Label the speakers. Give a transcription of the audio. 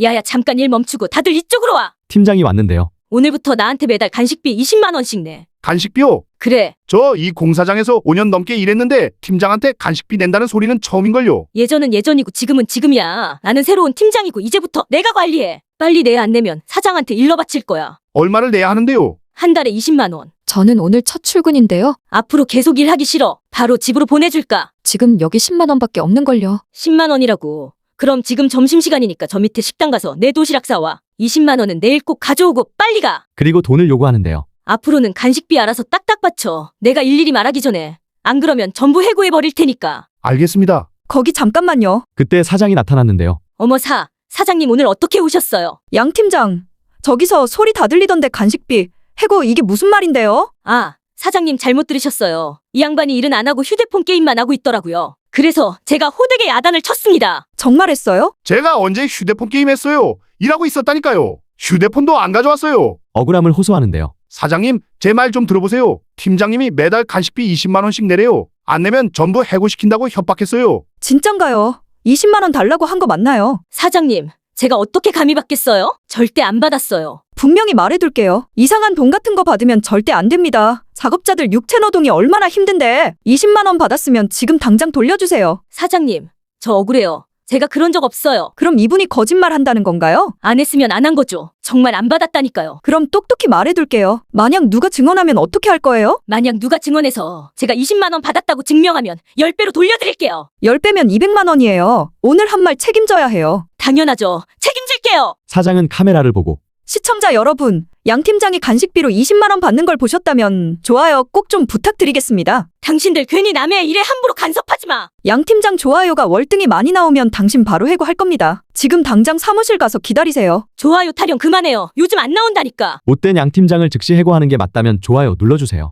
Speaker 1: 야야, 잠깐 일 멈추고 다들 이쪽으로 와.
Speaker 2: 팀장이 왔는데요.
Speaker 1: 오늘부터 나한테 매달 간식비 20만 원씩 내.
Speaker 3: 간식비요?
Speaker 1: 그래.
Speaker 3: 저 이 공사장에서 5년 넘게 일했는데 팀장한테 간식비 낸다는 소리는 처음인걸요.
Speaker 1: 예전은 예전이고 지금은 지금이야. 나는 새로운 팀장이고 이제부터 내가 관리해. 빨리 내야 안 내면 사장한테 일러 바칠 거야.
Speaker 3: 얼마를 내야 하는데요?
Speaker 1: 한 달에 20만 원.
Speaker 4: 저는 오늘 첫 출근인데요.
Speaker 1: 앞으로 계속 일하기 싫어. 바로 집으로 보내줄까?
Speaker 4: 지금 여기 10만 원밖에 없는걸요.
Speaker 1: 10만 원이라고. 그럼 지금 점심시간이니까 저 밑에 식당 가서 내 도시락 사와. 20만 원은 내일 꼭 가져오고 빨리 가.
Speaker 2: 그리고 돈을 요구하는데요.
Speaker 1: 앞으로는 간식비 알아서 딱딱 받쳐. 내가 일일이 말하기 전에. 안 그러면 전부 해고해버릴 테니까.
Speaker 3: 알겠습니다.
Speaker 5: 거기 잠깐만요.
Speaker 2: 그때 사장이 나타났는데요.
Speaker 1: 어머, 사장님 오늘 어떻게 오셨어요?
Speaker 5: 양 팀장, 저기서 소리 다 들리던데 간식비, 해고 이게 무슨 말인데요?
Speaker 1: 아, 사장님 잘못 들으셨어요. 이 양반이 일은 안 하고 휴대폰 게임만 하고 있더라고요. 그래서 제가 호되게 야단을 쳤습니다.
Speaker 5: 정말 했어요?
Speaker 3: 제가 언제 휴대폰 게임 했어요? 일하고 있었다니까요. 휴대폰도 안 가져왔어요.
Speaker 2: 억울함을 호소하는데요.
Speaker 3: 사장님, 제 말 좀 들어보세요. 팀장님이 매달 간식비 20만 원씩 내래요. 안 내면 전부 해고시킨다고 협박했어요.
Speaker 5: 진짠가요? 20만 원 달라고 한 거 맞나요?
Speaker 1: 사장님, 제가 어떻게 감히 받겠어요? 절대 안 받았어요.
Speaker 5: 분명히 말해둘게요. 이상한 돈 같은 거 받으면 절대 안 됩니다. 작업자들 육체 노동이 얼마나 힘든데 20만 원 받았으면 지금 당장 돌려주세요.
Speaker 1: 사장님, 저 억울해요. 제가 그런 적 없어요.
Speaker 5: 그럼 이분이 거짓말 한다는 건가요?
Speaker 1: 안 했으면 안 한 거죠. 정말 안 받았다니까요.
Speaker 5: 그럼 똑똑히 말해둘게요. 만약 누가 증언하면 어떻게 할 거예요?
Speaker 1: 만약 누가 증언해서 제가 20만 원 받았다고 증명하면 10배로 돌려드릴게요.
Speaker 5: 10배면 200만 원이에요. 오늘 한 말 책임져야 해요.
Speaker 1: 당연하죠. 책임질게요.
Speaker 2: 사장은 카메라를 보고
Speaker 5: 시청자 여러분, 양 팀장이 간식비로 20만 원 받는 걸 보셨다면 좋아요 꼭 좀 부탁드리겠습니다.
Speaker 1: 당신들 괜히 남의 일에 함부로 간섭하지 마.
Speaker 5: 양 팀장 좋아요가 월등히 많이 나오면 당신 바로 해고할 겁니다. 지금 당장 사무실 가서 기다리세요.
Speaker 1: 좋아요 타령 그만해요. 요즘 안 나온다니까.
Speaker 2: 못된 양 팀장을 즉시 해고하는 게 맞다면 좋아요 눌러주세요.